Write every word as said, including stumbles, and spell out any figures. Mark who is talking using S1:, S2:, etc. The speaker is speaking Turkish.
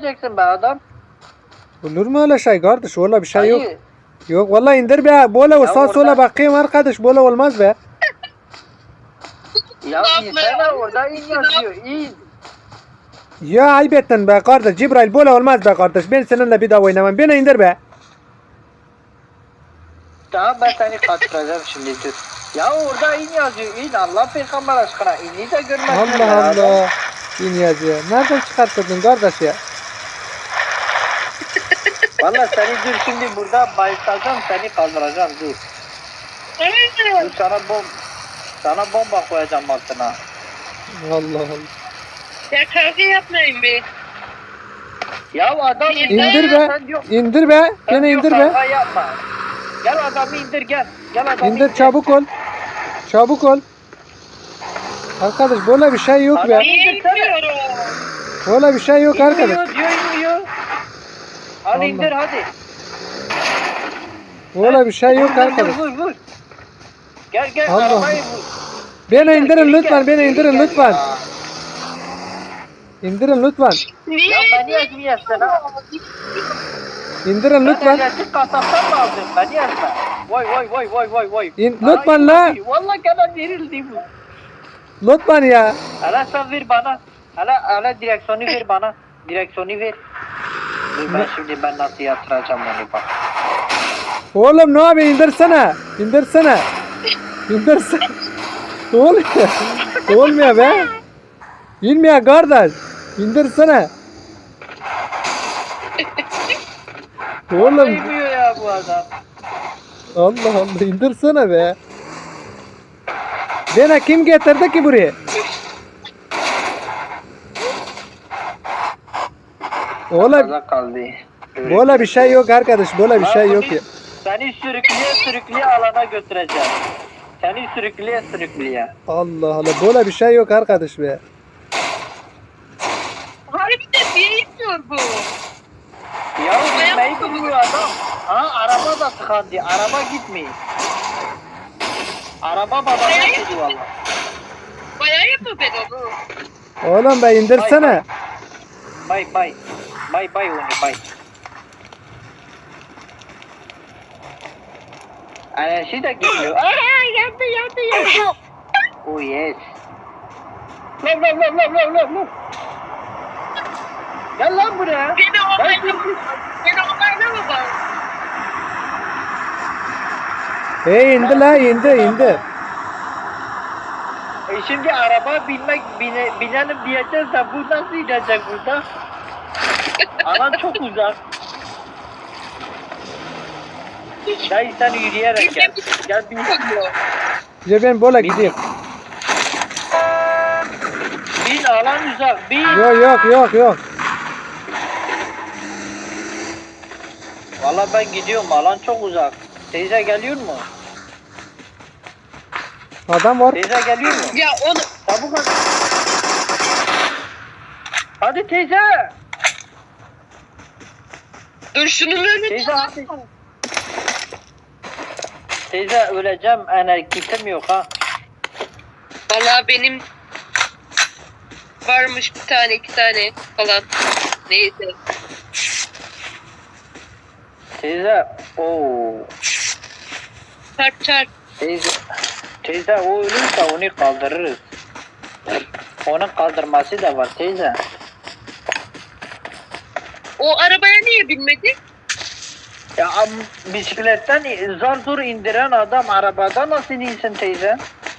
S1: indirmeyeceksin be adam.
S2: Olur mu öyle şey kardeş? Öyle bir şey yok.
S1: Dayı.
S2: Yok vallahi indir be. Böyle o
S1: Ya
S2: sağ
S1: orada-
S2: sola bakayım arkadaş. Böyle olmaz be.
S1: Ya insana orada in yazıyor. İn.
S2: Ya ayıp ettin be kardeş. Cibrail böyle olmaz be kardeş. Ben seninle bir daha oynamam. Beni indir be.
S1: Tamam ben seni kaçıracağım şimdi dur. Ya orada in yazıyor. İn Allah peygamber aşkına. İni de görmezsin.
S2: Allah Allah. İn yazıyor. Nereden çıkarttırdın kardeş ya?
S1: Valla seni dur şimdi burada bayıltacağım seni kaldıracağım dur. Dur sana bom sana bomba koyacağım altına.
S2: Allah Allah.
S3: Ya kavga yapmayın be.
S1: Ya adam
S2: İndir be.
S1: Sen diyor-
S2: İndir be.
S1: sen
S2: Beni
S1: diyor
S2: indir be.
S1: kavga yapma. Gel adamı indir gel. Gel adamı
S2: İndir çabuk ol. Çabuk ol. Arkadaş böyle bir şey yok be.
S1: Adam-
S3: Niye inmiyorum?
S2: Böyle bir şey yok arkadaş.
S1: İnmiyor diyor inmiyor. Hadi
S2: Allah.
S1: indir hadi.
S2: Böyle bir şey yok
S1: Vur, vur,
S2: arkadaş.
S1: Vur vur. Gel gel
S2: Allah.
S1: arabayı vur.
S2: Beni indirin
S1: Geri
S2: lütfen.
S1: gel,
S2: Beni
S1: geri
S2: indirin
S1: gel
S2: lütfen.
S1: ya.
S2: İndirin lütfen.
S3: Niye?
S1: Ya beni ezmiyorsun ha.
S2: İndirin
S1: Ben
S2: lütfen.
S1: elektrik kasaptan mı aldım? Beni ezme. Vay vay vay vay vay vay.
S2: İn-
S1: Bana
S2: lütfen la.
S1: verildi. Vallahi gene verildi bu.
S2: Lütfen ya.
S1: Hele sen ver bana. Hele hele direksiyonu ver bana. Direksiyonu ver. Dur ben şimdi ben nasıl yatıracağım onu bak.
S2: Oğlum ne abi indirsene. İndirsene. İndirsene. Olmuyor. Olmuyor be. İnmiyor kardeş. İndirsene. Oğlum.
S1: Değmiyor ya bu adam.
S2: Allah Allah indirsene be. Bana kim getirdi ki buraya? Oğlum
S1: Kaza kaldı.
S2: böyle bir şey yok arkadaş. Böyle bir şey yok ya.
S1: Seni sürükleye sürükleye alana götüreceğim. Seni sürükleye sürükleye.
S2: Allah Allah böyle bir şey yok arkadaş be.
S3: Harbiden niye inmiyor bu?
S1: Ya gitmeyi bilmiyor adam. Ha araba da tıkandı. Araba gitmiyor. Araba babana gidiyor valla.
S3: Bayağı yapma ben onu.
S2: Oğlum be indirsene.
S1: Bay bay. Bay bay onu bay. Enerji de gitmiyor. Aa yandı yandı yandı. Oh yes. Lan lan lan lan lan lan lan. Gel lan buraya.
S3: Beni
S1: Ben
S3: onayla
S1: şimdi...
S3: Beni onayla mı bak?
S2: Hey indi la indi indi.
S1: E şimdi araba binmek bine, binelim diyeceğiz de bu nasıl inecek burada? Alan çok uzak. Dayı sen yürüyerek gel. Gel bin.
S2: Ya ben böyle gideyim.
S1: Bin alan uzak. Bin.
S2: Yok yok yok yok.
S1: Valla ben gidiyorum alan çok uzak. Teyze geliyor mu?
S2: Adam var.
S1: Teyze geliyor mu?
S3: Ya onu
S1: Çabuk hadi. Hadi teyze.
S3: dur şunun önüne.
S1: Teyze hadi. Teyze öleceğim enerjisim yok ha.
S3: Valla benim varmış bir tane iki tane falan. Neyse.
S1: Teyze. Oo.
S3: Çarp çarp.
S1: Teyze. Teyze o ölürse onu kaldırırız. Onun kaldırması da var teyze.
S3: O arabaya niye binmedi?
S1: Ya am- bisikletten zar zor indiren adam arabada nasıl insin teyze?